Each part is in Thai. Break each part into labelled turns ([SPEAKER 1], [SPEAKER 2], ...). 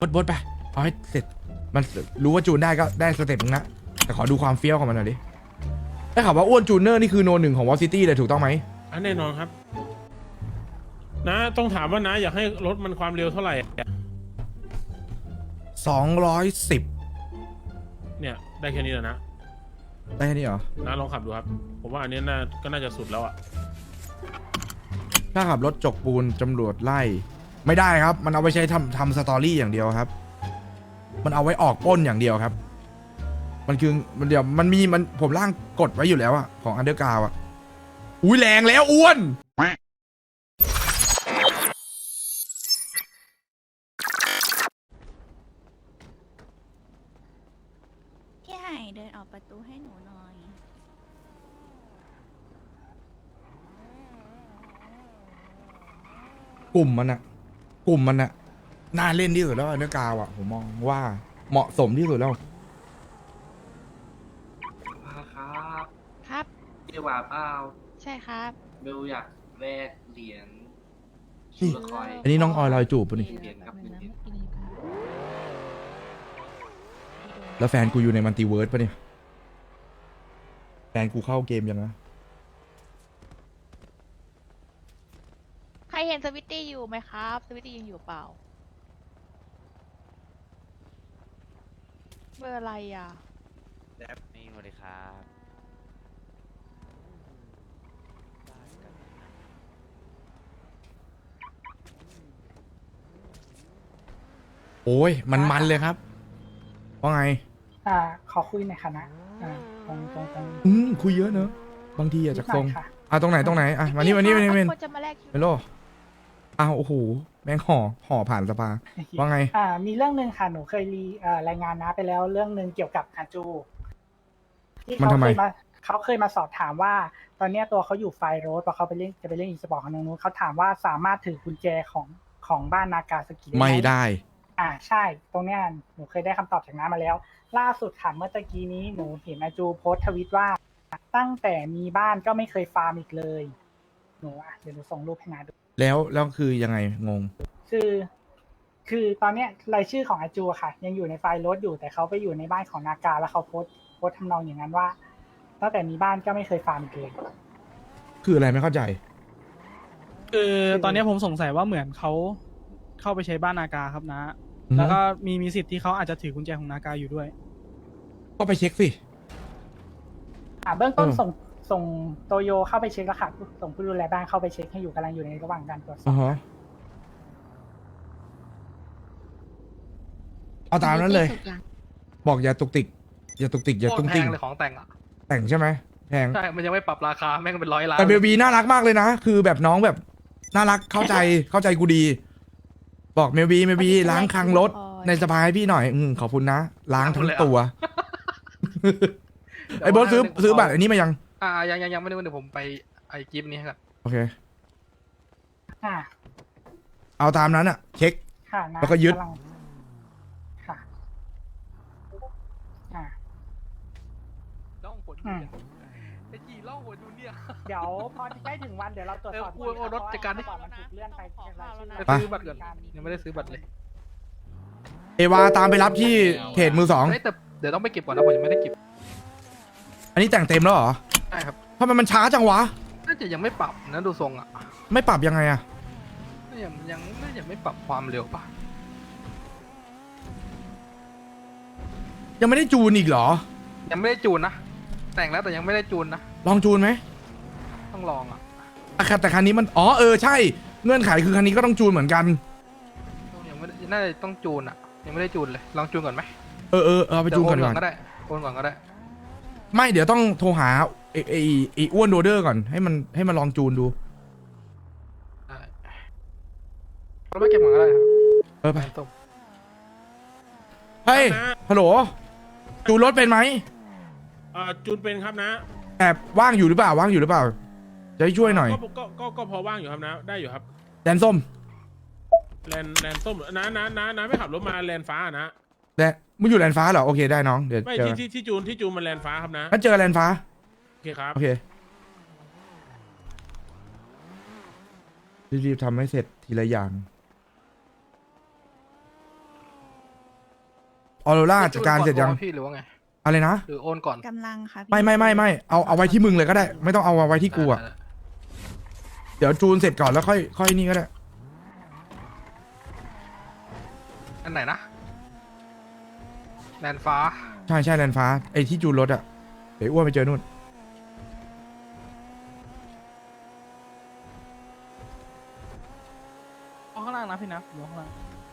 [SPEAKER 1] บดไปเอาให้เสร็จมันรู้ว่าจูนได้ก็ได้สเต็ปนึงนะแต่ขอดูความเฟี้ยวของมันหน่อยดิได้ข่าวว่าอ้วนจูเนอร์นี่คือโนหนึ่งของวอลซิตี้เลยถูกต้องไหม
[SPEAKER 2] แน่นอนครับนะต้องถามว่านะอยากให้รถมันความเร็วเท่าไหร่
[SPEAKER 1] 210
[SPEAKER 2] เนี่ยได้แค่นี้แหละนะ
[SPEAKER 1] ได้แค่นี้เหรอ
[SPEAKER 2] นะลองขับดูครับผมว่าอันนี้ก็น่าจะสุดแล้วอ่ะ
[SPEAKER 1] ถ้าขับรถจกปูนตำรวจไล่ไม่ได้ครับมันเอาไปใช้ทำสตอรี่อย่างเดียวครับมันเอาไว้ออกปล้นอย่างเดียวครับมันคือมันเดี๋ยวมันผมร่างกดไว้อยู่แล้วอะของอันเดอร์กราวอะอุ้ยแรงแล้วอ้วน
[SPEAKER 3] พี่ไห่เดินออกประตูให้หนูหน่อย
[SPEAKER 1] กลุ่มมันน่าเล่นที่สุดแล้วอันเดอร์กราวอะผมมองว่าเหมาะสมที่สุดแล้ว
[SPEAKER 4] ครับ
[SPEAKER 3] ครับ
[SPEAKER 4] พี่หวาเปล่า
[SPEAKER 3] ใช่ครับ
[SPEAKER 4] เบลอยากแลกเหรียญชูละคอย
[SPEAKER 1] อันนี้น้องออยลอยจูบปะนี่
[SPEAKER 4] เหรียญครับ1 เหรียญ
[SPEAKER 1] แล้วแฟนกูอยู่ในมัลติเวิร์สปะเนี่ยแฟนกูเข้าเกมยังนะ
[SPEAKER 3] ใครเห็นสวิตตี้อยู่ไหมครับ สวิตตี้ยังอยู่เปล่า เบอร์อะไรอ่ะ
[SPEAKER 5] นี่สวัสดีครับ
[SPEAKER 1] โอ้ยมันเลยครับว่าไง
[SPEAKER 6] ขอคุยหน่อยค่ะนะตรง
[SPEAKER 1] คุยเยอะเนอะบางทีอะจากทรง
[SPEAKER 6] นิดหน่อยค่ะ
[SPEAKER 1] ตรงไหนอ่ะมานี่
[SPEAKER 3] คนจะมาแลกคิว
[SPEAKER 1] เมโลโอ้โหแม่งห่อผ่านสภาว่าไง
[SPEAKER 6] มีเรื่องหนึ่งค่ะ หนูเคยรายงานนะไปแล้วเรื่องหนึ่งเกี่ยวกับอาจูที่
[SPEAKER 1] มันทำไม
[SPEAKER 6] เขาเคยมาสอบถามว่า ตอนเนี้ยตัวเขาอยู่ไฟโรสพอเขาจะไปเล่นอีสปอร์ตของนู้นเขาถามว่าสามารถถือกุญแจของบ้านนากาสกิได้ไหม
[SPEAKER 1] ไม่ได้
[SPEAKER 6] ใช่ ตรงเนี้ยหนูเคยได้คำตอบจากน้ามาแล้ว ล่าสุดค่ะเมื่อตะกี้นี้หนูเห็นอาจูโพสต์ทวิตว่า ตั้งแต่มีบ้านก็ไม่เคยฟาร์มอีกเลยหนูเดี๋ยวหนูส่งรูปให้น้าดู
[SPEAKER 1] แล้วคือยังไงงง
[SPEAKER 6] คือตอนเนี้ยรายชื่อของอาจูอะค่ะ ยังอยู่ในไฟล์รถอยู่แต่เขาไปอยู่ในบ้านของนากาแล้วเขาโพสต์ทำนองอย่างนั้นว่าตั้งแต่มีบ้านก็ไม่เคยฟาร์มอีกเลย
[SPEAKER 1] คืออะไรไม่เข้าใจ
[SPEAKER 7] คือตอนนี้ผมสงสัยว่าเหมือนเขาเข้าไปใช้บ้านนากาครับนะ แล้วก็มีสิทธิ์ที่เขาอาจจะถือกุญแจของนากาอยู่ด้วย
[SPEAKER 1] ก็ไปเช็คสิ
[SPEAKER 6] เบื้องต้น
[SPEAKER 1] เออ
[SPEAKER 6] ส่งโตโยเข้าไปเช็คแล้วค่ะส่งผู้ดูแลบ้านเข้าไปเช็คให้อยู่กำลังอยู่ในระหว่างการตรวจสอบ
[SPEAKER 1] เอาตามนั้นเลย บอกอย่าตุกติกอย่าตุ้ง
[SPEAKER 8] โคตร
[SPEAKER 1] ติ้ง
[SPEAKER 8] แพงเลยของแต่งอ่ะ
[SPEAKER 1] แต่งใช่ไหมแพง
[SPEAKER 8] ใช่ มันยังไม่ปรับราคา แม่งเป็น100 ล้าน
[SPEAKER 1] แต่เบบีน่ารักมากเลยนะ คือแบบน้องแบบน่ารักเข้าใจกูดี บอกเมบีล้างคลังรถในสภาให้พี่หน่อยขอบคุณนะ ล้างทั้งตัว ไอ้บอสซื้อบัตรอันนี้มายัง
[SPEAKER 8] ยังไม่ได้เดี๋ยวผมไปไอ้กิฟต์นี้ครับ
[SPEAKER 1] โอเค
[SPEAKER 6] ค่ะ
[SPEAKER 1] เอาตามนั้นอะเช็ค
[SPEAKER 6] ค่ะนะ
[SPEAKER 1] แล้วก็ยึด
[SPEAKER 6] ำงค่ะอ่า
[SPEAKER 8] ล่องผล
[SPEAKER 6] อืม
[SPEAKER 8] ไอ้จีล่องผลดูเนี่ย
[SPEAKER 6] เดี๋ยวพอใกล้ถึงวันเดี๋ยวเราตรวจสอบ
[SPEAKER 8] เออเอารถจัดการดิ
[SPEAKER 6] เพะว่มันถูกเลื่อนไปรายชื่อ
[SPEAKER 8] ไปซื้อบัตรก่อน ยังไม่ได้ซื้อบัตรเลย
[SPEAKER 1] เอวาตามไปรับที่เขตมือสอง
[SPEAKER 8] เฮ้ยแต่เดี๋ยวต้องไปเก็บก่อนนะผมยังไม่ได้เก็บ
[SPEAKER 1] อันนี้แต่งเต็มแล้วเหรอ
[SPEAKER 8] ใช่ครับ
[SPEAKER 1] ทำไมมันช้าจังวะ
[SPEAKER 8] น่าจะยังไม่ปรับนะดูทรงอ่ะ
[SPEAKER 1] ไม่ปรับยังไงอะ
[SPEAKER 8] น่าจะไม่ปรับความเร็วป่ะ
[SPEAKER 1] ยังไม่ได้จูนอีกเหรอ
[SPEAKER 8] ยังไม่ได้จูนนะ แต่งแล้วแต่ยังไม่ได้จูนนะ
[SPEAKER 1] ลองจูนไหม
[SPEAKER 8] ต้องลองอ่ะ
[SPEAKER 1] แต่คันนี้มันใช่เงื่อนไขคือคันนี้ก็ต้องจูนเหมือนกัน
[SPEAKER 8] ยังไม่ได้น่าจะต้องจูนอ่ะ ยังไม่ได้จูนเลย ลองจูนก่อนไหม
[SPEAKER 1] เอาไปจูนก่อนดีก
[SPEAKER 8] เดี๋ยว
[SPEAKER 1] ว่า
[SPEAKER 8] ก็ได้โอนก่อนก็ได้
[SPEAKER 1] ไม่เดี๋ยวต้องโทรหาไอ้อ้วนโรเดอร์ก่อนให้มันลองจูนดู
[SPEAKER 8] ได้เราไม่เก็บก่อนก็ได้ครับ
[SPEAKER 1] ไป
[SPEAKER 8] ต้ม
[SPEAKER 1] เฮ้ยฮัลโหลจูนรถเป็นไหม
[SPEAKER 2] จูนเป็นครับนะ
[SPEAKER 1] แต่ว่างอยู่หรือเปล่าจะให้ช่วยหน่อย
[SPEAKER 2] ก็พอว่างอยู่ครับนะ ได้อยู่ครับ
[SPEAKER 1] แดนส้ม
[SPEAKER 2] แลนส้มนะไม่ขับรถมาแลนฟ้านะ
[SPEAKER 1] แต่มึงอยู่แลนฟ้าเหรอโอเคได้น้องเดี๋ยว
[SPEAKER 2] ไม่
[SPEAKER 1] เจอ
[SPEAKER 2] ที่จูนมันแลนฟ้าครับนะ
[SPEAKER 1] งั้นเจอแลนฟ้า
[SPEAKER 2] โอเคครับ
[SPEAKER 1] โอเครีบๆทำให้เสร็จทีละอย่างออโรราจัดการเสร็จยัง
[SPEAKER 8] พี่หรือว่าไง
[SPEAKER 1] อะไรนะ
[SPEAKER 8] หรือโอนก่อน
[SPEAKER 9] กำลังค่ะพี่
[SPEAKER 1] ไม่เอาไว้ที่มึงเลยก็ได้ ไม่ต้องเอาไว้ที่กูอะเดี๋ยวจูนเสร็จก่อนแล้วค่อยนี่ก็ได้
[SPEAKER 8] อันไหนนะแลนฟ้า
[SPEAKER 1] ใช่แลนฟ้าไอ้ที่จูนรถอะเดี๋ยวอ้วนไปเจอนู่น
[SPEAKER 7] ข้างล่างนะพี่นะอยู่ข้างล่าง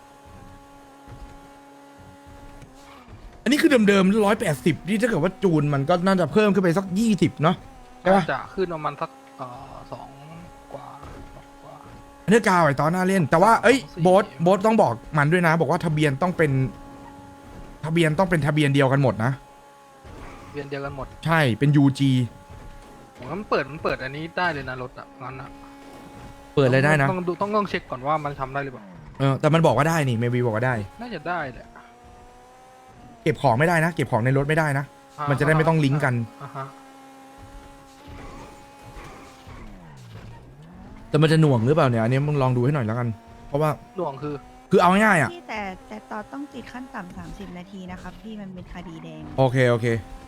[SPEAKER 1] อันนี้คือเดิม180นี่ถ้าเกิดว่าจูนมันก็น่าจะเพิ่มขึ้นไปสัก20เนาะใช่ปะ
[SPEAKER 8] จะขึ้นประมาณสัก2 กว่า
[SPEAKER 1] อันนี้กาวไอ้ตอนหน้าเล่น แต่ว่าเอ้ย
[SPEAKER 8] 4
[SPEAKER 1] โบ๊ทต้องบอกมันด้วยนะ บอกว่าทะเบียนต้องเป็นทะเบียนเดียวกันหมดนะ
[SPEAKER 8] เวียนเดียวกันหมด
[SPEAKER 1] ใช่เป็น UG
[SPEAKER 8] ผมว่ามันเปิดอันนี้ได้เลยนะรถอ่ะงั้นอ่ะ
[SPEAKER 1] เปิดเลยได้นะ
[SPEAKER 8] ต้องเช็คก่อนว่ามันทำได้หรือเปล่า
[SPEAKER 1] แต่มันบอกว่าได้นี่เมวีบอกว่าได้
[SPEAKER 8] น่าจะได้แหละ
[SPEAKER 1] เก็บของไม่ได้นะ เก็บของในรถไม่ได้นะ มันจะได้ไม่ต้องลิงก์กัน
[SPEAKER 8] อ่าฮะ
[SPEAKER 1] แต่มันจะหน่วงหรือเปล่าเนี่ยอันนี้มึงลองดูให้หน่อยแล้วกัน เพราะว่า
[SPEAKER 8] หน่วงคือ
[SPEAKER 1] คือเอาง่ายๆอ่ะ
[SPEAKER 9] พี่แต่ตอนต้องติดขั้นต่ำ30 นาทีนะครับพี่มันเป็นคดีแดง
[SPEAKER 1] โอเค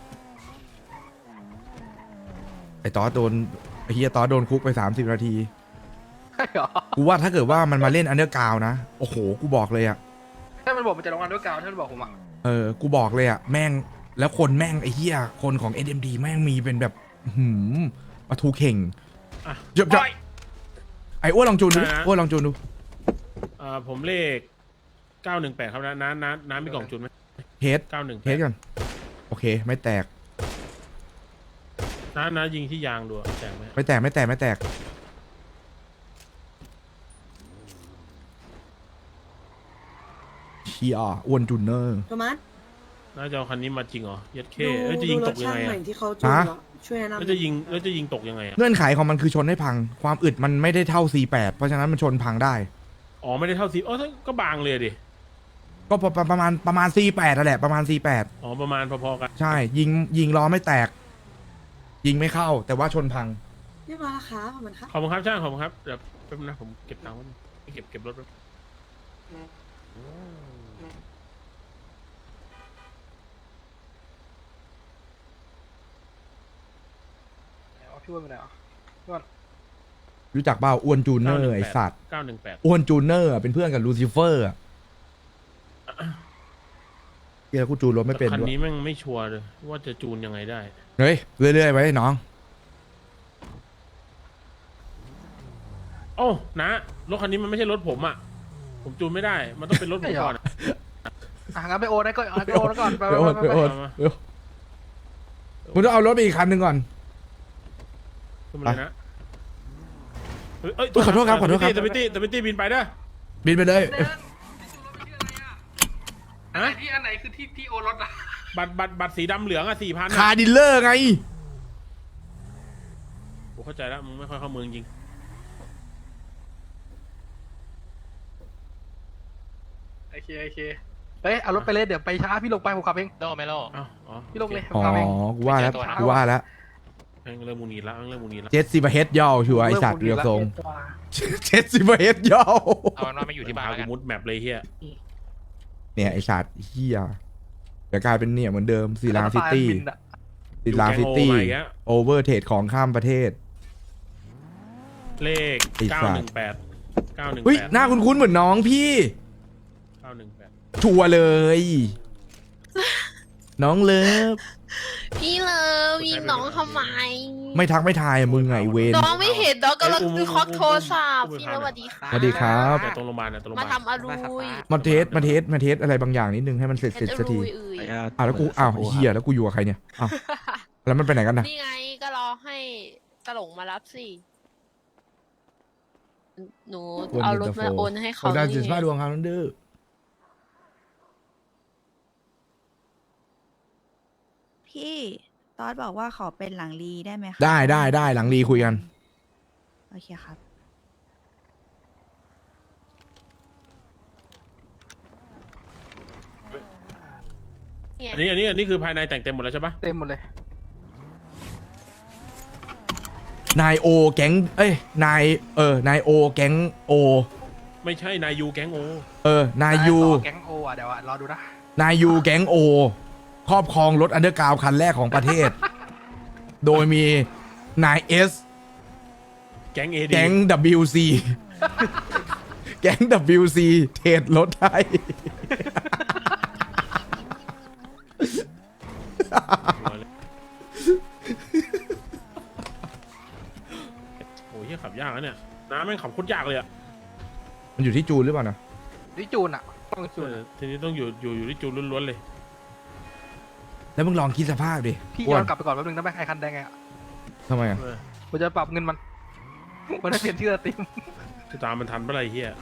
[SPEAKER 1] ไอ้ตอสโดนไอ้เฮียตอสโดนคุกไป30 นาที
[SPEAKER 8] ใช่เหรอ
[SPEAKER 1] กูว่าถ้าเกิดว่ามันมาเล่นอันเดอร์กราวนะโอ้โหกูบอกเลยอ่ะ
[SPEAKER 8] ถ้ามันบอกมันจะลงงานด้วยกาวถ้ามันบอกผมอ่ะ
[SPEAKER 1] กูบอกเลยอ่ะแม่งแล้วคนแม่งไอ้เฮียคนของ SMD แม่งมีเป็นแบบมาทูเข่ง
[SPEAKER 2] อ่ะ
[SPEAKER 1] เดี๋ยวไอ้อ้วนลองจูนดู
[SPEAKER 2] นะ
[SPEAKER 1] อ้วนลองจูนดู
[SPEAKER 2] ผมเลข 918 ครับน้ำมีกล่องจุนไหม
[SPEAKER 1] เฮด
[SPEAKER 2] 918
[SPEAKER 1] เฮดกันโอเคไม่แตก
[SPEAKER 2] น้ายิงที่ยางดูอะแตกไหม
[SPEAKER 1] ไม่แตกเชียอ้วนจูนเนอร์
[SPEAKER 10] โทมัส
[SPEAKER 2] น้าจะเอาคันนี้มาจริงเหรอยัดเข้
[SPEAKER 10] ดู
[SPEAKER 2] แล้วจะยิงตกยังไง
[SPEAKER 10] ดูรถช่าใหม่
[SPEAKER 2] อะ
[SPEAKER 10] ที่เขาจูน
[SPEAKER 1] ฮะ
[SPEAKER 10] เหรอช่วยแนะนำ
[SPEAKER 2] แล้วจะยิงตกยังไงอะ
[SPEAKER 1] เงื่อนไขของมันคือชนให้พัง ความอึดมันไม่ได้เท่า C8 เพราะฉะนั้นมันชนพังได้
[SPEAKER 2] อ๋อไม่ได้เท่าซีก็บางเลยดิ
[SPEAKER 1] ก็ประมาณ C8 นั่นแหละประมาณ C8
[SPEAKER 2] อ๋อประมาณพอๆกัน
[SPEAKER 1] ใช่ยิงล้อไม่แตก ยิงไม่เข้า แต่ว่าชนพัง
[SPEAKER 10] เรียบร้อยแล้วครับขอบคุณครับ
[SPEAKER 2] ขอบคุณครับช่างขอบคุณครับเดี๋ยวแป๊บนึงนะผมเก็บตังค์ไว้เก็บรถไว้
[SPEAKER 8] พี่ว่าเป็นไงอ่ะพี่ว่า
[SPEAKER 1] รู้จักเปล่าอ้วนจูนเนอร์ไอสัตว์
[SPEAKER 2] 918
[SPEAKER 1] อ้วนจูนเนอร์อะเป็นเพื่อนกับลูซิเฟอร์อะเฮียกูจูนรถไม่เป็น
[SPEAKER 2] คัน
[SPEAKER 1] ด้วย
[SPEAKER 2] นี้แม่งไม่ชัวร์เลยว่าจะจูนยังไงได้
[SPEAKER 1] เฮ้ยเรื่อยๆไว้น้อง
[SPEAKER 2] โอ้นะรถคันนี้มันไม่ใช่รถผมอ่ะผมจูนไม่ได้มันต้องเป็นรถผมก่อนอะ
[SPEAKER 8] งั้นไปโอนได้ก็ไปโอนก่อนไป
[SPEAKER 1] ไปโอนไปโอนเร็วมึงต้องเอารถไปอีกคันหนึ่งก่อน
[SPEAKER 2] ขึ้นมาเลยนะเฮ้ย
[SPEAKER 1] ขอโทษครับ
[SPEAKER 2] ตวิตี้บินไปเด้อ
[SPEAKER 1] บินไปเลย
[SPEAKER 2] ฮะ
[SPEAKER 8] ที่อันไหนคือที่โอนรถอ่ะ
[SPEAKER 2] บัตรสีดำเหลืองอ่ะ 4,000
[SPEAKER 1] คาร์ดิลเลอร์ไง
[SPEAKER 2] ผมเข้าใจแล้วมึงไม่ค่อยเข้าเมืองจริง
[SPEAKER 8] โอเคเฮ้ยเอารถไปเลยเดี๋ยวไปช้าพี่ลงไปผมขับเอง
[SPEAKER 5] โลไม่โล
[SPEAKER 2] อ้าวอ๋อ
[SPEAKER 8] พี่ลงเลยผม
[SPEAKER 1] อ๋อ
[SPEAKER 8] ขับเอง
[SPEAKER 1] กูว่าแล้วกูว่าแล้ว
[SPEAKER 2] แม่งเริ่มมูนีละแม่งเริ่มมูนีละ
[SPEAKER 1] เจ็ดสิบเฮดย่อชัวร์ไอสัตว์เรือทรงเจ็ดสิบเฮดย่อ
[SPEAKER 5] เอาเป็นว่าไม่อยู่ที่บ้านแล้วกัน
[SPEAKER 2] มุดแมปเลยเฮีย
[SPEAKER 1] เนี่ยไอสัตว์เฮียเดี๋ยวกลายเป็นเนี่ยเหมือนเดิมซีลาซิตี้
[SPEAKER 8] บินอะ
[SPEAKER 1] ซีลาซิตี้
[SPEAKER 2] อยู่แกงโอมาอีกแล้ว
[SPEAKER 1] โอเวอร์เทรดของข้ามประเทศ
[SPEAKER 2] เลข
[SPEAKER 1] ไอ้สัตว์
[SPEAKER 2] 918
[SPEAKER 1] เฮ้ยหน้าคุ้นๆเหมือนน้องพี่
[SPEAKER 2] 918
[SPEAKER 1] ชัวร์เลย น้องเลิฟ
[SPEAKER 3] พี่เลิฟยิงน้องทำไม
[SPEAKER 1] ไม่ทักไม่ทายอะมึงไงเวน
[SPEAKER 3] น้องไม่เห็นน้องกำลังดูคอกโทรศัพท์พี่เลิฟสวัสดีค่ะ
[SPEAKER 1] สวัสดีครับ
[SPEAKER 2] แต่ตรงโรงพยาบาลนะตรงโรงพ
[SPEAKER 3] มาย
[SPEAKER 2] าบาล
[SPEAKER 3] ทำอารุย
[SPEAKER 1] มาเทสอะไรบางอย่างนิดนึงให้มันเสร็จ
[SPEAKER 3] เอ็ดอา
[SPEAKER 1] สักที
[SPEAKER 3] รุยเอ่ย
[SPEAKER 1] แล้วกูอ้าวไอ้เฮียแล้วกูอยู่กับใครเนี่ยอ้าวแล้วมันไปไหนกันนะ
[SPEAKER 3] นี่ไงก็รอให้ตลงมารับสิ หนูเอารถมาโอนให้เขา
[SPEAKER 1] โอ้ได้
[SPEAKER 3] นี่
[SPEAKER 1] สิบห้าดวงครับนั่นดื้อ
[SPEAKER 9] พี่ตอดบอกว่าขอเป็นหลังรีได้ไหมคะ
[SPEAKER 1] ได้หลังรีคุยกัน
[SPEAKER 9] โอเคครับ
[SPEAKER 2] อันนี้คือภายในแต่งเต็มหมดแล้วใช่ปะ
[SPEAKER 8] เต็มหมดเลย
[SPEAKER 1] นายโอแก๊งนายโอแก๊งโอ
[SPEAKER 2] ไม่ใช่นายยูแก๊งโอน
[SPEAKER 1] ายยู
[SPEAKER 8] แก๊งโออ่ะเดี๋ยวรอดูนะ
[SPEAKER 1] นายยูแก๊งโอครอบครองรถอันเดอร์กราวคันแรกของประเทศ โดยมีนายเอส
[SPEAKER 2] แก๊งเอดี
[SPEAKER 1] แก๊ง WC แก๊ง WC เทรดรถไทย
[SPEAKER 2] โอ้ยเหี้ยขับยากนะเนี่ยน้าแม่งขับโคตรยากเลยอะ
[SPEAKER 1] มันอยู่ที่จูนหรือเปล่านะ
[SPEAKER 8] ดิจูนอ่ะต้องจูน
[SPEAKER 2] ทีนี้ต้องอยู่ที่จูนล้วนๆเลย
[SPEAKER 1] แล้วมึงลองคิดสภาพดิ
[SPEAKER 8] พี่
[SPEAKER 1] อ้ว
[SPEAKER 8] ย้อน นกลับไปก่อนแป๊บนึงได้ไหมไอคันแดงไงอ่ะ
[SPEAKER 1] ทำไมอ่ะ
[SPEAKER 8] ผมจะปรับเงินมัน มันได้เปลี่ยนชื่อสตรีม
[SPEAKER 2] จะตามมันทันเมื่อไหร่เฮีย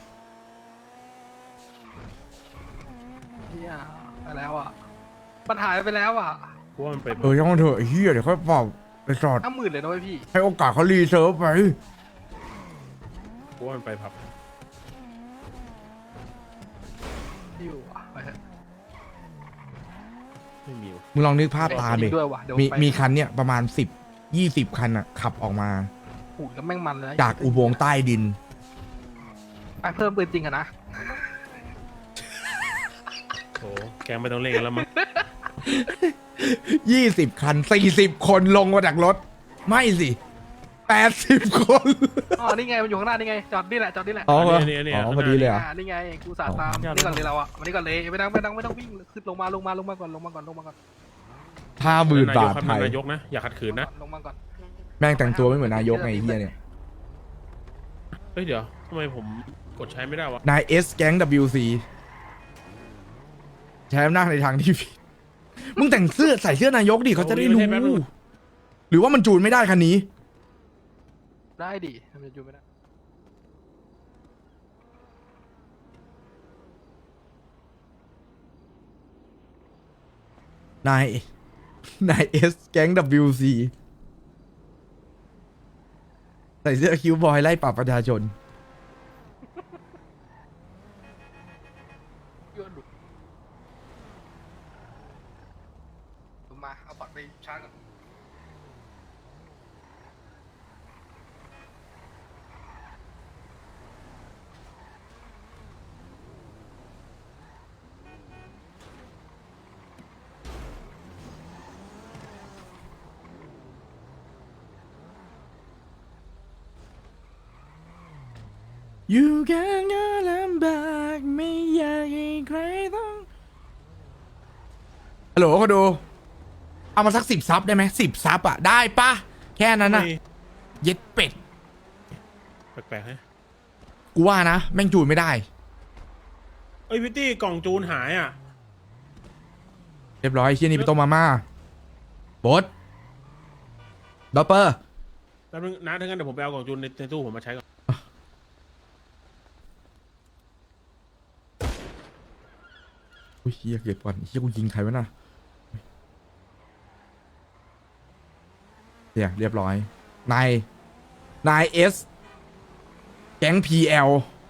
[SPEAKER 8] เฮียไปแล้วอ่ะมันหายไปแล้วอ่ะ
[SPEAKER 2] เพราะว่ามันไป
[SPEAKER 1] ยังมันเถอะไอ้เฮียเดี๋ยวค่อยเป่าไปจอด
[SPEAKER 8] 50,000เลยนะเว้ยพี่
[SPEAKER 1] ให้โอกาสเขารีเซิร์ฟไป
[SPEAKER 2] เพราะว่ามันไปผับ
[SPEAKER 8] อยู่อ่ะไปเถอะ
[SPEAKER 2] ไม่มีวะ
[SPEAKER 1] มึงลองนึกภาพตามดิ
[SPEAKER 8] ด้วยว่ะเดี๋ยว
[SPEAKER 1] มี
[SPEAKER 8] ไป
[SPEAKER 1] มีคันเนี่ยประมาณ10-20 คันอ่ะ ขับออกมา
[SPEAKER 8] หูแล้วแม่งมันเลยนะ
[SPEAKER 1] จากอุโมงค์ใต้ดิน
[SPEAKER 8] ไปเพิ่มปืนจริงอะนะ
[SPEAKER 2] โอ้แกงไม่ต้องเล่นกันแล้วมั้ง
[SPEAKER 1] 20 คัน 40 คนลงมาจากรถ ไม่สิ80 คน
[SPEAKER 8] อ๋อนี่ไงมันอยู่ข้างหน้านี่ไงจอดนี่แหละจอดนี่แหละ
[SPEAKER 1] อ๋อ
[SPEAKER 2] เนี่ย
[SPEAKER 1] พอดีเลยเหรอ่ะ
[SPEAKER 8] นี่ไงกูสาดตามนี่ก่อนเลยเราอ่ะวันนี้ก่อนเลยไม่ต้องวิ่งขึ้นลงมาก่อน
[SPEAKER 1] 50,000 บาทไทย
[SPEAKER 2] นายกนะอย่าขัดขืนนะ
[SPEAKER 8] ลงมาก่อน
[SPEAKER 1] แม่งแต่งตัวไม่เหมือนนายกไงไอ้เฮียเนี่ย
[SPEAKER 2] เฮ้ยเดี๋ยวทำไมผมกดใช้ไม่ได้วะ
[SPEAKER 1] นายเอสแก๊ง WC ใช้อำนาจในทางที่ผิดมึงแต่งเสื้อใส่เสื้อนายกดิเขาจะได้รู้ หรือว่ามันจูนไม่ได้คันนี้
[SPEAKER 8] ได้ดิทำไมอยู่ไม่ได้
[SPEAKER 1] นายเอสแก๊ง WC ใส่เสื้อคิวบอยไล่ปรับประชาชน
[SPEAKER 8] เยอะดุมาเอาบัตรไปชาร์จก่อน
[SPEAKER 1] อยู่กันก็ลำบากไม่อยากให้ใครต้องฮัลโหลเขาดู เอามาสัก10 ซับได้ไหม10 ซับอ่ะ ได้ปะแค่นั้นน่ะ เย็ดเป็ด
[SPEAKER 2] แปลกๆฮะ
[SPEAKER 1] กูว่านะ แม่งจูนไม่ได้
[SPEAKER 2] เอ้ยพิตตี้กล่องจูนหายอ่ะ
[SPEAKER 1] เรียบร้อยเชี่ยนี่ไปต้มมาม่าบดดอปเปอร์
[SPEAKER 2] แป๊บนึงนะถ้างั้นเดี๋ยวผมไปเอากล่องจูนในตู้ผมมาใช้ก่อน
[SPEAKER 1] อุ้ยเฮียเก็บก่อนเฮียกูยิงใครวะน่ะเนี่ยเรียบร้อย นายเอสแก๊ง PL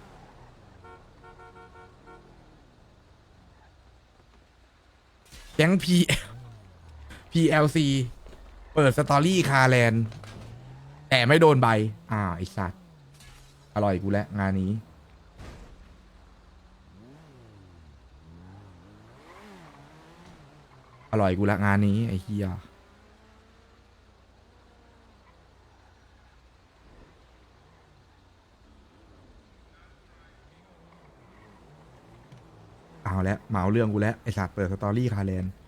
[SPEAKER 1] แก๊ง PLC เปิดสตอรี่คาแลนด์แต่ไม่โดนใบไอสัตว์อร่อยกูแล้วงานนี้ อร่อยกูละงานนี้ไอ้เฮียเอาแล้วเหมาเรื่องกูแล้วไอสัตว์เปิดสตอรี่คาแลนด์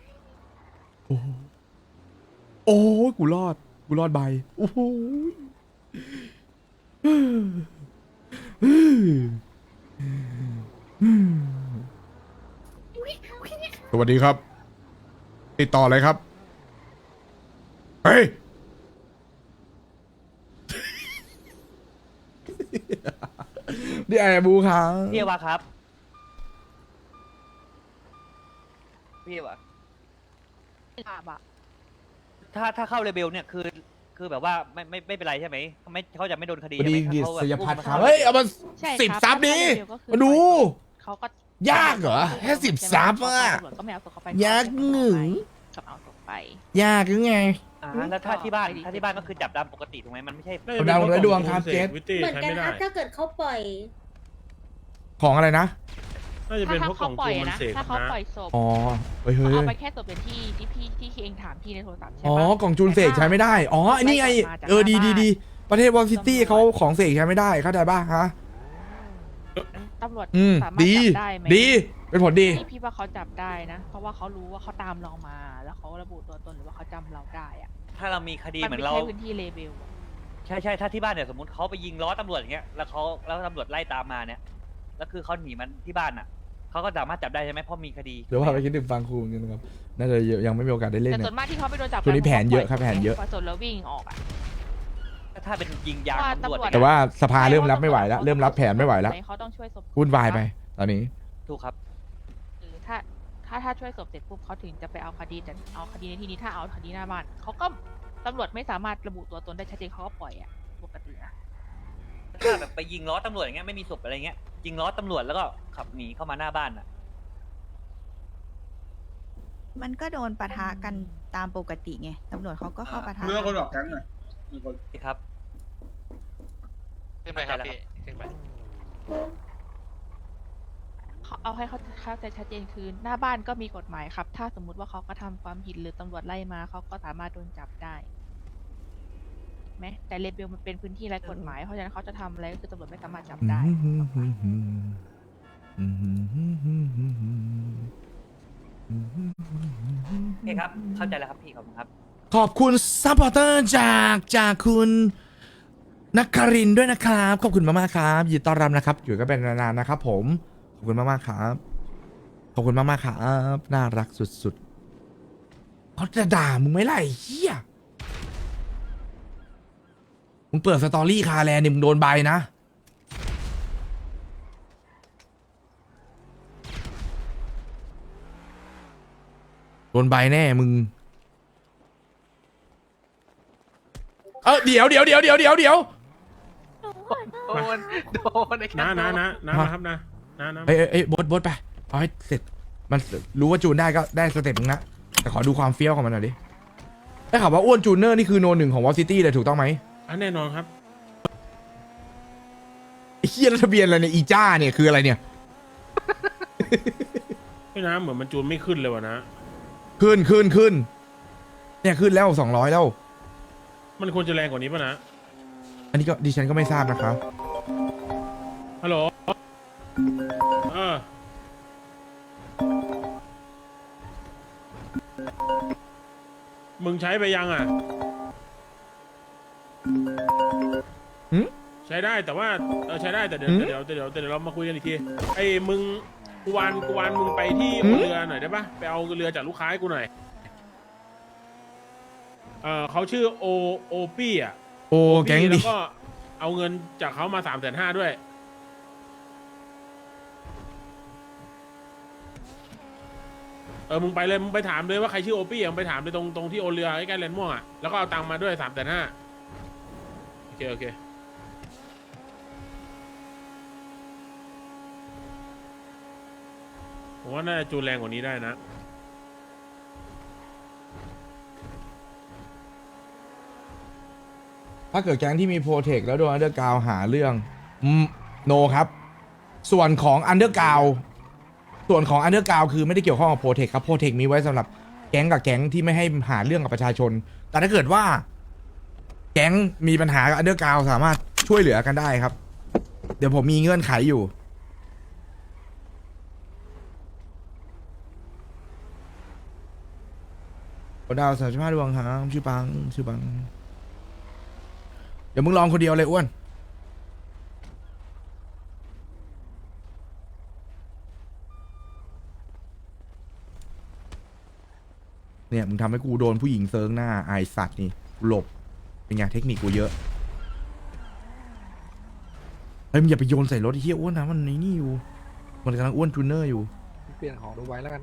[SPEAKER 1] โอ้กูรอดใบโอ้โหสวัสดีครับ ติดต่อเลยครับ เฮ้ย นี่ไอ้บูครับ
[SPEAKER 5] พี่วะครับ พี่วะ
[SPEAKER 3] ครับอะ
[SPEAKER 5] ถ้าเข้าเรเบลเนี่ยคือแบบว่าไม่เป็นไรใช่ไหมเขาจะไม่โดนคดี
[SPEAKER 1] พอ
[SPEAKER 5] ใช่
[SPEAKER 1] ดี
[SPEAKER 5] ไหม
[SPEAKER 1] กิจ
[SPEAKER 5] เขาแบบ
[SPEAKER 1] สยพัฒน์ครับ
[SPEAKER 5] อุ้ม
[SPEAKER 1] เฮ้ย เอามา
[SPEAKER 3] ใช่ครับ
[SPEAKER 1] 10 ซับดิ
[SPEAKER 3] ถ้าเร็วก็คือ
[SPEAKER 1] มาดู
[SPEAKER 3] เขาก็
[SPEAKER 1] ยากเหรอแค่10 ซับอะ
[SPEAKER 3] ตำรวจก็ไม่เอาศพเขาไป
[SPEAKER 1] ยากหนึ่ง
[SPEAKER 3] กับเอาศพไป
[SPEAKER 1] ยากหรือไง
[SPEAKER 5] แล้วถ้าที่บ้านก็คือจับดำปกติถูกไหมมันไม่ใช่
[SPEAKER 1] เอาดาวและดวงครับเจส
[SPEAKER 2] วิตตี้
[SPEAKER 10] เหมือน
[SPEAKER 2] ใช้
[SPEAKER 10] กัน
[SPEAKER 2] ไม่
[SPEAKER 10] ค
[SPEAKER 2] ได้
[SPEAKER 10] รับ ถ้าเกิดเขาปล่อย
[SPEAKER 1] ของอะไรนะ
[SPEAKER 2] น่าจะเป็นเพราะกล่องจูนมันเสก
[SPEAKER 3] ถ้าเขา
[SPEAKER 2] นะ
[SPEAKER 3] ปล่อยศพ
[SPEAKER 1] อ๋อเฮ้ย
[SPEAKER 3] เขา
[SPEAKER 1] เฮ้ย
[SPEAKER 3] เอาไปแค่ศพเป็นที่เองถามพี่ในโทรศัพท์ใช่
[SPEAKER 1] อ๋อ
[SPEAKER 3] ปะ
[SPEAKER 1] กล่องจูนเสกใช้ไม่ได้อ๋ออันนี้ไง
[SPEAKER 3] มาจาก
[SPEAKER 1] ดี
[SPEAKER 3] หน้าบ้าน
[SPEAKER 1] ดีประเทศวอลซิตี้เขาของเสกใช้ไม่ได้เข้าใจป่ะฮะ
[SPEAKER 3] ตำรวจ
[SPEAKER 1] สามารถจับได้ไหมดีเป็นผลดี
[SPEAKER 3] พี่ว่าเขาจับได้นะ เพราะว่าเขารู้ว่าเขาตามเรามา แล้วเขาระบุตัวตนหรือว่าเขาจำเราได้อะ
[SPEAKER 5] ถ้าเรามีคดี
[SPEAKER 3] มัน
[SPEAKER 5] เหมือ
[SPEAKER 3] ไม่
[SPEAKER 5] นเรา
[SPEAKER 3] ใช่พื้นที่เลเบลอะ
[SPEAKER 5] ใช่ถ้าที่บ้านเนี่ยสมมติเขาไปยิงล้อตำรวจอย่างเงี้ยแล้วตำรวจไล่ตามมาเนี่ยแล้วคือเขาหนีมันที่บ้านอ่ะเขาก็สามารถจับได้ใช่ไหมเพราะมีคดี
[SPEAKER 1] เดี๋ยวว่าไปคิดถึงฟังครูกันนะครับน่าจะยังไม่มีโอกาสได้เล่น
[SPEAKER 3] แต่
[SPEAKER 1] นะ
[SPEAKER 3] ส่วนมากที่เขาไปโดนจับ
[SPEAKER 1] ช่วงนี้แผนเยอะ
[SPEAKER 3] กั
[SPEAKER 1] ครับแผนเยอะ
[SPEAKER 3] พอสดแล้ววิ่งออกอะ
[SPEAKER 5] ถ้าเป็นยิงยาง
[SPEAKER 3] ว่า
[SPEAKER 5] ตำรวจ
[SPEAKER 3] ตำรวจ
[SPEAKER 1] แต่ว่าสภาเริ่มรับไม่ไหวแล้วเริ่มรับแผนไม่ไหวแล้ว
[SPEAKER 3] เขาต้องช่วยศพ
[SPEAKER 1] วุ่นวายไปตอนนี้
[SPEAKER 5] ถูกครับ
[SPEAKER 3] หรือถ้าช่วยศพเสร็จปุ๊บเขาถึงจะไปเอาคดีแต่เอาคดีในที่นี้ถ้าเอาคดีหน้าบ้านเขาก็ตำรวจไม่สามารถระบุตัวตนได้ชัดเจนเขาก็ปล่อยอะปกตินะ
[SPEAKER 5] ถ้าแบบไปยิงล้อตำรวจอย่างเงี้ยไม่มีศพอะไรเงี้ยยิงล้อตำรวจแล้วก็ขับหนีเข้ามาหน้าบ้านอ่ะ
[SPEAKER 9] มันก็โดนปะทะกันตามปกติไง ตำรวจเขาก็เข้าปะทะ
[SPEAKER 4] เมื่อคนออกแก๊งหน่อย
[SPEAKER 5] ครับ
[SPEAKER 8] ขึ้นไปครับพี่ขึ้นไป
[SPEAKER 3] เอาให้เขาเข้าใจชัดเจนคือหน้าบ้านก็มีกฎหมายครับ ถ้าสมมุติว่าเขาก็ทำความผิดหรือตำรวจไล่มาเขาก็สามารถโดนจับได้ไหมแต่เลเบลมันเป็นพื้นที่ไร้กฎหมายเพราะฉะนั้นเขาจะทำอะไรก็คือตำรวจไม่สามารถจับได้
[SPEAKER 5] โอเคครับเข้าใจแล้วครับพี่ขอบคุณครับ
[SPEAKER 1] ขอบคุณซัพพอร์เตอร์จากคุณนักครินทร์ด้วยนะครับขอบคุณมากๆครับยินดีต้อนรับนะครับอยู่กันเป็นนานๆนะครับผมขอบคุณมากๆครับขอบคุณมากๆครับน่ารักสุดๆเขาจะด่ามึงไหมล่ะไอ้เหี้ยมึงเปิดสตอรี่คาแลนด์นี่มึงโดนใบนะโดนใบแน่มึงเดี๋ยว
[SPEAKER 8] โดนไอ้แค่
[SPEAKER 2] นะครับนะ
[SPEAKER 1] เอ้ยบดไปเอาให้เสร็จมันรู้ว่าจูนได้ก็ได้สเต็ปนึงนะแต่ขอดูความเฟี้ยวของมันหน่อยดิได้ข่าวว่าอ้วนจูเนอร์นี่คือโนหนึ่งของวอลซิตี้เลยถูกต้องไหม
[SPEAKER 2] แน่นอนครับ
[SPEAKER 1] ไอ้เฮียแล้วทะเบียนอะไรเนี่ยอีจ้าเนี่ยคืออะไรเนี่ย
[SPEAKER 2] พี่น้ำเหมือนมันจูนไม่ขึ้นเลยวะนะ
[SPEAKER 1] ขึ้นเนี่ยขึ้นแล้ว200แล้ว
[SPEAKER 2] มันควรจะแรงกว่านี้ป่ะนะ
[SPEAKER 1] อันนี้ก็ดิฉันก็ไม่ทราบนะครับ
[SPEAKER 2] ฮัลโหลมึงใช้ไปยังอ่ะ ใช้ได้แต่ว่าใช้ได้แต่เดี๋ยวเรามาคุยกันอีกทีไอ้มึงกูวานมึงไปที่เรือหน่อยได้ปะไปเอาเรือจากลูกค้าให้กูหน่อยเขาชื่อโอปี้อ่ะ
[SPEAKER 1] โอ้แก๊ง
[SPEAKER 2] แล้
[SPEAKER 1] ดิ
[SPEAKER 2] วก็เอาเงินจากเขามา350,000ด้วยมึงไปเลยมึงไปถามเลยว่าใครชื่อโอปี้มึงไปถามเลยตรงที่โอเรือใกล้ๆแลนด์ม่วงอ่ะแล้วก็เอาตังค์มาด้วย350,000โอเคผมว่าน่าจะจูนแรงกว่านี้ได้นะ
[SPEAKER 1] ถ้าเกิดแก๊งที่มีโปรเทคแล้วโดนอันเดอร์กราวหาเรื่องโนครับส่วนของอันเดอร์กราวคือไม่ได้เกี่ยวข้องกับโปรเทคครับโปรเทคมีไว้สำหรับแก๊งกับแก๊งที่ไม่ให้หาเรื่องกับประชาชนแต่ถ้าเกิดว่าแก๊งมีปัญหากับอันเดอร์กราวสามารถช่วยเหลือกันได้ครับเดี๋ยวผมมีเงื่อนไขอยู่ดาว35 ดวงครับชื่อปังเดี๋ยวมึงลองคนเดียวเลยอ้วนเนี่ยมึงทำให้กูโดนผู้หญิงเซิร์งหน้าไอสัตว์นี่หลบเป็นไงเทคนิคกูเยอะเฮ้ยมึงอย่าไปโยนใส่รถไอ้เหี้ยอ้วนนะมันนี่อยู่มันกำลังอ้วนจูเนอร์อยู่
[SPEAKER 8] เปลี่ยนของดูไว้แล้วกันนะ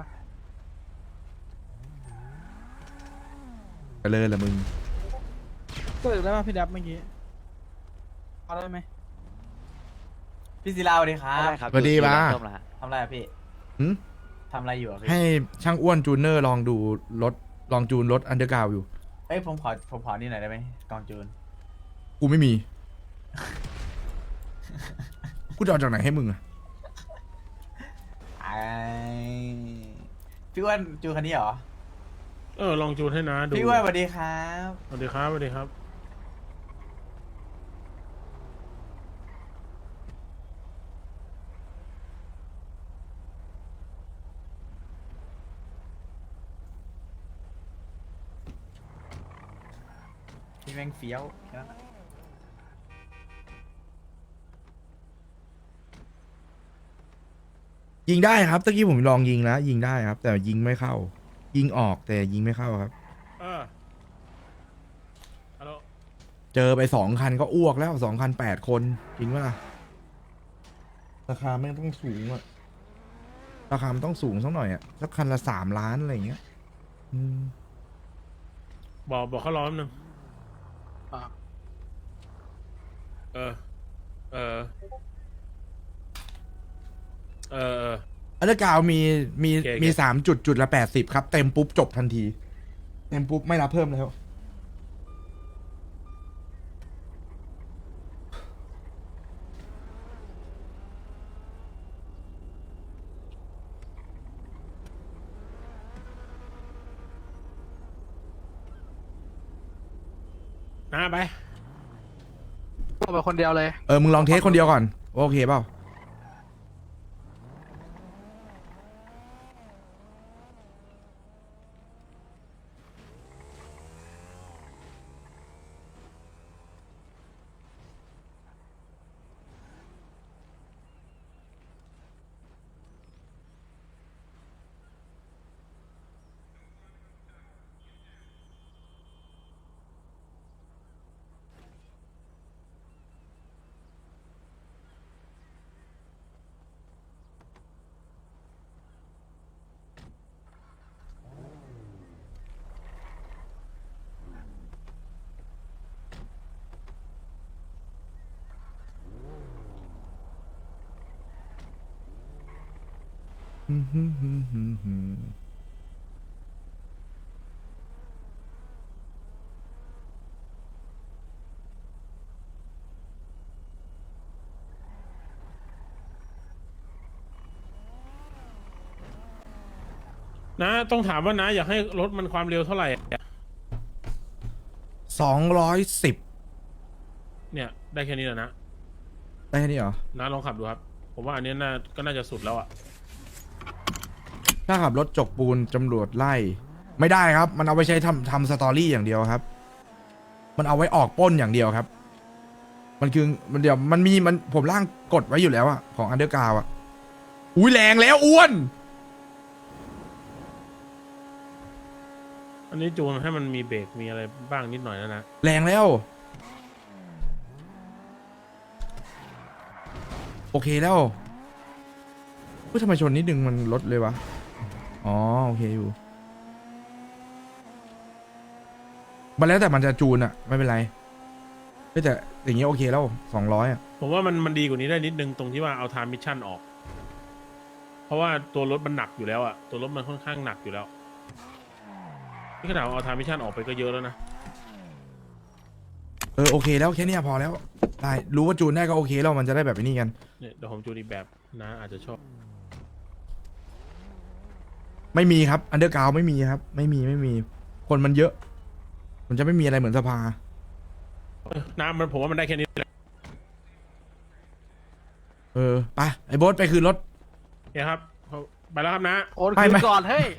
[SPEAKER 1] ไปเลยละมึง
[SPEAKER 7] ก็ได้ป่ะพี่ดับเมื่อกี้เอาได้ไหม
[SPEAKER 11] พี่ศิลาสวัสดีครับ
[SPEAKER 1] สวัสดีป่ะ
[SPEAKER 11] ทำอะไรอะพี่
[SPEAKER 1] หืม
[SPEAKER 11] ทำอะไรอยู่อะพี่
[SPEAKER 1] ให้ช่างอ้วนจูเนอร์ลองดูรถลองจูนรถอันเดอร์กราวอยู่
[SPEAKER 11] เอ้ยผมขอนี่หน่อยได้ไหมกองจูน
[SPEAKER 1] กูไม่มี กูจะเอาจากไหนให้มึงอะ
[SPEAKER 11] พี่อ้วนจูนคันนี้เหรอ
[SPEAKER 2] ลองจูนให้นะดู
[SPEAKER 11] พี่อ้วนสวัสดีครับ
[SPEAKER 2] สวัสดีครับสวัสดีครับ
[SPEAKER 11] พี่แม่งเฟี้ยวแค่นั้นอะ
[SPEAKER 1] ยิงได้ครับตะกี้ผมลองยิงแล้วยิงได้ครับ แต่ยิงไม่เข้า ยิงออกแต่ยิงไม่เข้าครับ
[SPEAKER 2] ฮัลโหล
[SPEAKER 1] เจอไป2 คันก็อ้วกแล้ว2 คัน8 คนจริงปะล่ะราคาไม่ต้องสูงอะราคามันต้องสูงสักหน่อยอะสักคันละ3 ล้านอะไรอย่างเงี้ยอืม
[SPEAKER 2] บอกเขาร้อนหนึ่ง
[SPEAKER 8] อ่า
[SPEAKER 2] เออ เออ เออ
[SPEAKER 1] อันเดอร์กราวด์มี
[SPEAKER 2] โอเค
[SPEAKER 1] มี3 จุดละ80ครับเต็มปุ๊บจบทันทีเต็มปุ๊บไม่รับเพิ่มแล้ว
[SPEAKER 2] นะไป
[SPEAKER 8] เอาไปคนเดียวเลย
[SPEAKER 1] มึงลองเทสคนเดียวก่อนโอเคเปล่า
[SPEAKER 2] นะต้องถามว่านะอยากให้รถมันความเร็วเท่าไหร่
[SPEAKER 1] 210
[SPEAKER 2] เนี่ย ได้แค่นี้แหละนะ
[SPEAKER 1] ได้แค่นี้เหรอ
[SPEAKER 2] นะลองขับดูครับ ผมว่าอันนี้ก็น่าจะสุดแล้วอ่ะ
[SPEAKER 1] ถ้าขับรถจกปูนตำรวจไล่ ไม่ได้ครับ มันเอาไปใช้ทำสตอรี่อย่างเดียวครับ มันเอาไว้ออกปล้นอย่างเดียวครับ มันคือมันเดี๋ยวมันผมร่างกดไว้อยู่แล้วอะของอันเดอร์กราวอะอุ้ยแรงแล้วอ้วน
[SPEAKER 2] อันนี้จูนให้มันมีเบรกมีอะไรบ้างนิดหน่อยนะ
[SPEAKER 1] แรงแล้ว โอเคแล้วเฮ้ยทำไมชนนิดนึงมันลดเลยวะ อ๋อโอเคอยู่มันแล้วแต่มันจะจูนอะไม่เป็นไรเฮ้ยแต่อย่างเงี้ยโอเคแล้ว200อะ
[SPEAKER 2] ผมว่ามันดีกว่านี้ได้นิดนึงตรงที่ว่าเอาทามมิชชั่นออก เพราะว่าตัวรถมันหนักอยู่แล้วอะตัวรถมันค่อนข้างหนักอยู่แล้วนี่ขนาดเอาทามมิชชั่นออกไปก็เยอะแล้วนะ
[SPEAKER 1] โอเคแล้วแค่เนี้ยพอแล้วได้รู้ว่าจูนได้ก็โอเคแล้วมันจะได้แบบนี้กัน
[SPEAKER 2] เนี่ยเดี๋ยวผมจูนอีกแบบนะอาจจะชอบ
[SPEAKER 1] ไม่มีครับอันเดอร์กราวไม่มีครับ ไม่มีคนมันเยอะ มันจะไม่มีอะไรเหมือนสภา
[SPEAKER 2] น้ำมันผมว่ามันได้แค่นี้แหละ
[SPEAKER 1] ไปไอ้โบ๊ทไปคืนรถ
[SPEAKER 2] เนี่ยครับไปแล้วครับนะ
[SPEAKER 8] โอน
[SPEAKER 1] ไม่
[SPEAKER 8] คืน
[SPEAKER 1] ไม่
[SPEAKER 8] ก่อนเฮ้ย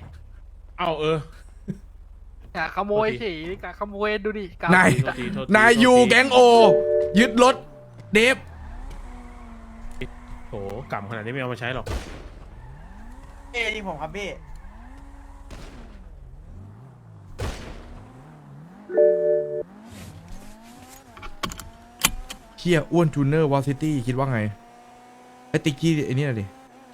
[SPEAKER 2] เอา
[SPEAKER 8] อย่าขโมยสิกะขโมยดูดิกะ
[SPEAKER 1] นาย
[SPEAKER 2] โทษทีโทษที
[SPEAKER 1] นายยูแก๊งโอ ยึดรถเดฟ
[SPEAKER 2] โหกำขนาดนี้ไม่เอามาใช้หรอก
[SPEAKER 11] ยิงผมครับพี่
[SPEAKER 1] เคียอ้วนจูเนอร์วอลซิตี้คิดว่าไงไอ้ติ๊กกี้ไอ้นี่น่ะดิ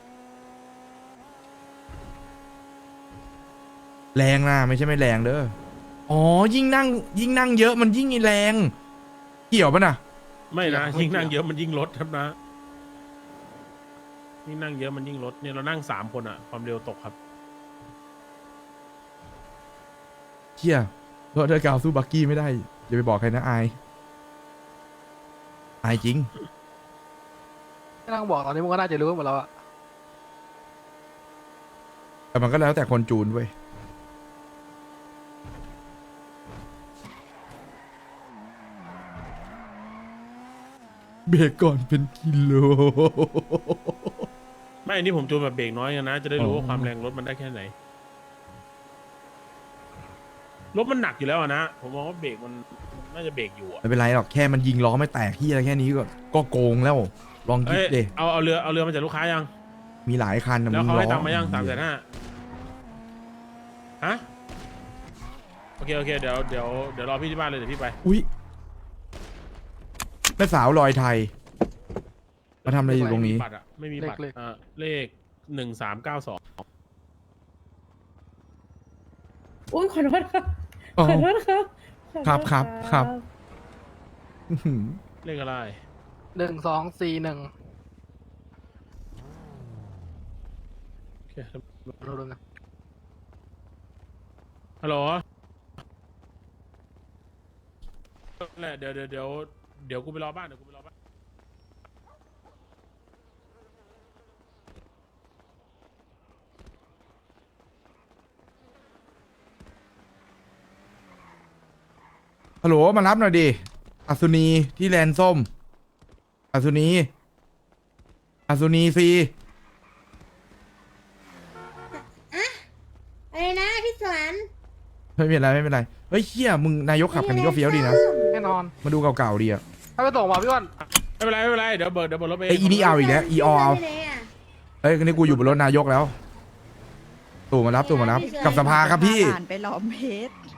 [SPEAKER 1] แรงนะไม่ใช่ไม่แรงเด้ออ๋อยิ่งนั่งเยอะมันยิ่งแรงเกี่ยวปะน่ะ
[SPEAKER 2] ไม่นะยิ่งนั่งเยอะมันยิ่งลดครับนะยิ่งนั่งเยอะมันยิ่งลดเนี่ยเรานั่ง3 คนอะความเร็วตกครับ
[SPEAKER 1] เคียรถเดอร์กาวสู้บักกี้ไม่ได้อย่าไปบอกใครนะอายจริง
[SPEAKER 8] ไม่ต้องบอกตอนนี้มึงก็น่าจะรู้หมดแล้วอะ
[SPEAKER 1] แต่มันก็แล้วแต่คนจูนเว้ยเบรกก่อนเป็นกิโล
[SPEAKER 2] ไม่อันนี้ผมจูนแบบเบรกน้อยกันนะ จะได้รู้
[SPEAKER 1] อ๋อ
[SPEAKER 2] ว่าความแรงรถมันได้แค่ไหน รถมันหนักอยู่แล้วอะนะ ผมมองว่าเบรกมันน่าจะเบรกอยู่อะ
[SPEAKER 1] ไม่เป็นไรหรอกแค่มันยิงล้อไม่แตกที่อะไรแค่นี้ก็โกงแล้ว ลองคิด
[SPEAKER 2] เอ้ย
[SPEAKER 1] ดิ
[SPEAKER 2] เอาเรือมาจากลูกค้ายัง
[SPEAKER 1] มีหลายคันนะ
[SPEAKER 2] แล้วเขาให้ตังค์มายัง
[SPEAKER 1] ล้อ
[SPEAKER 2] 350,000ฮะโอเคเดี๋ยวรอพี่ที่บ้านเลยเดี๋ยวพี่ไป
[SPEAKER 1] อุ้ยแม่สาวลอยไทย มาทำอะไรอยู่ตรงนี้
[SPEAKER 2] บัตรอะไม่มีบัตรเลข1392
[SPEAKER 10] อุ้ยขอโทษครับ
[SPEAKER 1] อ๋อ
[SPEAKER 10] ขอโทษครับขอโทษ
[SPEAKER 1] ครับ อื้อหือ
[SPEAKER 2] เลขอะไร
[SPEAKER 8] 1241
[SPEAKER 2] โอเค
[SPEAKER 8] ดูนะ
[SPEAKER 2] ฮัลโหลแหละเดี๋ยวกูไปรอบ้าน
[SPEAKER 1] ฮัลโหลมารับหน่อยดิอัศนีที่แลนด์ส้มอัศนีซี
[SPEAKER 10] อะไรนะพี่สวน
[SPEAKER 1] ไม่เป็นไรเฮ้ยเฮียมึงนายกขับคันนี้ก็เฟี้ยวดีนะ
[SPEAKER 8] แน่นอน
[SPEAKER 1] มาดูเก่าๆดีอะ
[SPEAKER 8] ถ้าไปส่งมาพี่อ้วน
[SPEAKER 2] ไม่เป็นไรเดี๋ยวเบิร์ดรถไป
[SPEAKER 1] ไอ้อีนี่เอาอีกแล้วอีออเอา
[SPEAKER 10] ไปไหนอ่ะ
[SPEAKER 1] เฮ้ยคันนี้กูอยู่บนรถนายกแล้วตู่มารับกับสภาครับพี่
[SPEAKER 9] ผ่านไปหลอมเพชร